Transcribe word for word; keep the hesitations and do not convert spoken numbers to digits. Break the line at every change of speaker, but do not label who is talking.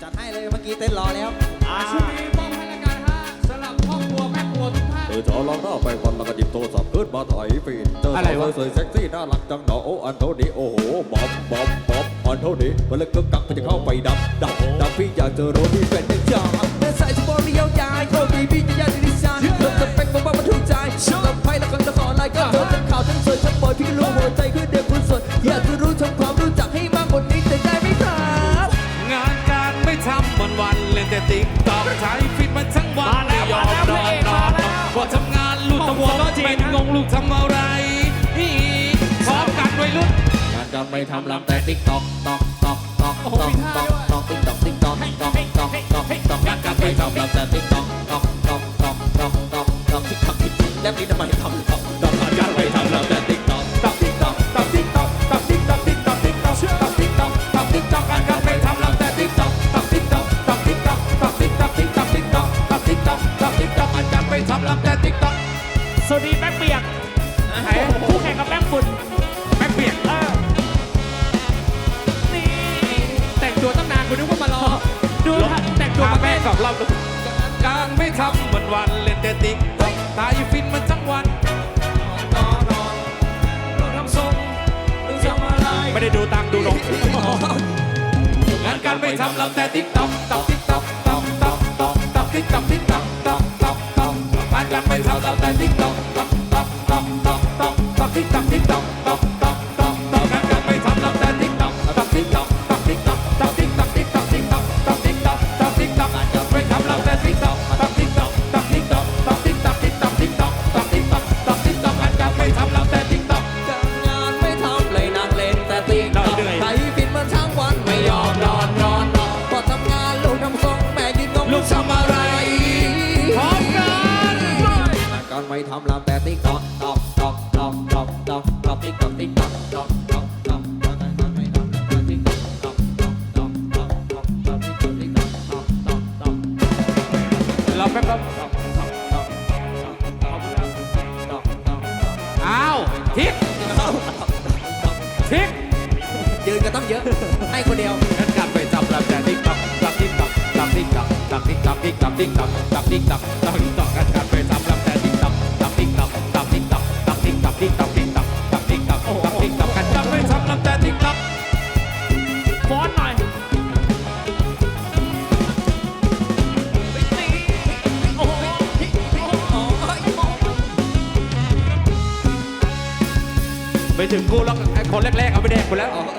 จัดให้เลยเมื่อกี้เต้นรอแล้ว
ช่วงนี้มอบให้ละกันฮะสำหรับครอบครัวแม่ครัวทุกท่าน
เออจะลองหน้าไปวันแล้วก็หยิบโทรศัพท์ขึ้นมาถ่ายฟีดเจอสาวสวยเซ็กซี่น่ารักจังหนอโอ้อันเท่านี้โอ้โหบ๊อบบ๊อบบ๊อบอันเท่านี้มันเลยกึกกักมันจะเข้าไปดับดับดับพี่อยากเจอโรดี้เป็นยังจ้าแม่ใส่สปอร์ตเรียวใจโอ้บีบีจะยากดีไซน์เธอจะเป็นบ้ามันถูกใจลำไพ่แล้วก็จะขอไลค์ก็เธอเป็นข่าวทั้งสวยทั้งบอยพี่รู้หัวใจคือเด็กคนสวยอยากจะรู้ทำความรู้จักให้มากกว่านี้แต่ได้ไหมครับ
งานการไม่ทำวันวันเล่นแต่ติ๊กต็อกใช้ฟิตมันทั้งวันไม่ยอมนอนนอนพอทำงานลูกตะวันเป็นงงลูกทำอะไรพร้อมกันวัยรุ่นงานการไม่ทำลำแต่ติ๊กต็อกต็อกต็อกต็อกต็อกต็อกต็อกติ๊กต็อกติ๊กต็อกต็อกต็อกต็อกต็อกงานการไม่ทำลำแต่ติ๊กต็อกต็อกต็อกต็อกต็อกต็อกต็อกติ๊กต็อกแล้วนี่ทำไมทำต็อกต็อกงานการไม่ทำลำแต่ติ๊กต็อกต็อกติ๊กต็อกต็อกติ๊กต็อกต็อกติ๊กต็อกติ๊กต็อกติ๊กต็อกต็อกติ๊กต็อกต็อกติ๊กต็อกงานการไม่ทำลำแต่ติ๊กต็อกต็อกติ๊กต็อกต็อกติ๊กต็อกต็อกติ๊กต็อกติ๊กต็อกติ๊กต็อกต็อกติ๊กต็อกต็อกติ๊กต็อกงานการไม่ทำลำแต่ติ๊กต็อก
สวัสดีแป้งเปียกคู่แข่งกับแป้งฝุ่น
แป้งเปียก
เออนี่แต่งตัวตั้งนานคุณนึกว่ามารอดูแต่งตัวมาแม่
กับเราการไม่ทำวันวันเล่นแต่ติ๊กต็อกตายฟินมันทั้งวันนอนนอนนอนทำทรงดูทำอะไรไม่ได้ดูตังดูนมงานการไม่ทำลำแต่ติ๊กต็อกต็อกติ๊กต็อกต็อกต็อกต็อกต็อกติ๊กต็อกติ๊กต็อกต็อกต็อกต็อกงานการไม่ทำลำแต่ติ๊กต็อกต็อกต็อกต็อกต็อกต็อกต็อกติ๊กต็อกติ๊กต็อกต็อกต็อกต็อกต็อกงานการไม่ทำลำแต่ติ๊กต็อกต็อกติ๊กต็อกต็อกติ๊กต็อกต็อกติ๊กต็อกติ๊กต็อกติ๊กต็อกต็อกติ๊กต็อกต็อกติ๊กต็อกงานการไม่ทำลำแต่ติ๊กต็อกต็อกติ๊กต็อกต็อกติ๊กต็อกต็อกติ๊กต็อกติ๊กต็อกติ๊กต็อกต็อกติ๊กต็อกต็อกติ๊กต็อกงานการไม่ทำลำแต่ติ๊กต็อก
งานไม่ทำเลยนั่งเล่นแต่ติ๊กต็อกใครฟิตมันทั้งวันไม่ยอมนอนนอนพอทำงานลูกทำทรงแม่ยืนงงลูกทำอะไร
พร้อมกัน
การไม่ทำลำแต่ติ๊กต็อกต็อกต็อกต็อกต็อกต็อกต็อกติ๊กต็อกติ๊กต็อกต็อกต็อกต็อกการไม่ทำลำแต่ติ๊กต็อกต็อกต็อกต็อกต็อกต็อกต็อกติ๊กต็อกติ๊กต็อกต็อกต็อกต็อก
เราแป๊บครับอ้าวทิศทิศ
ยืนก็ต้องเยอะให้คนเดียว
งั้นการไปจับลำแต่ติ๊กต็อกตักติ๊กต็อกตักติ๊กต็อกตักติ๊กต็อกติ๊กต็อกติ๊กต็อกตักติ๊กต็อกตักติ๊กต็อกกันการไปจับลำแต่ติ๊กต็อกตักติ๊กต็อกตักติ๊กต็อกตักติ๊กต็อกติ๊กต็อกติ๊กต็อกตักติ๊กต็อกตักติ๊กต็อกกันการไปจับลำแต่ติ๊กต็อก
ฟ้อนหน่อย
ไปถึงกูแล้วคนแรกๆเอาไปแดกคนแล้ว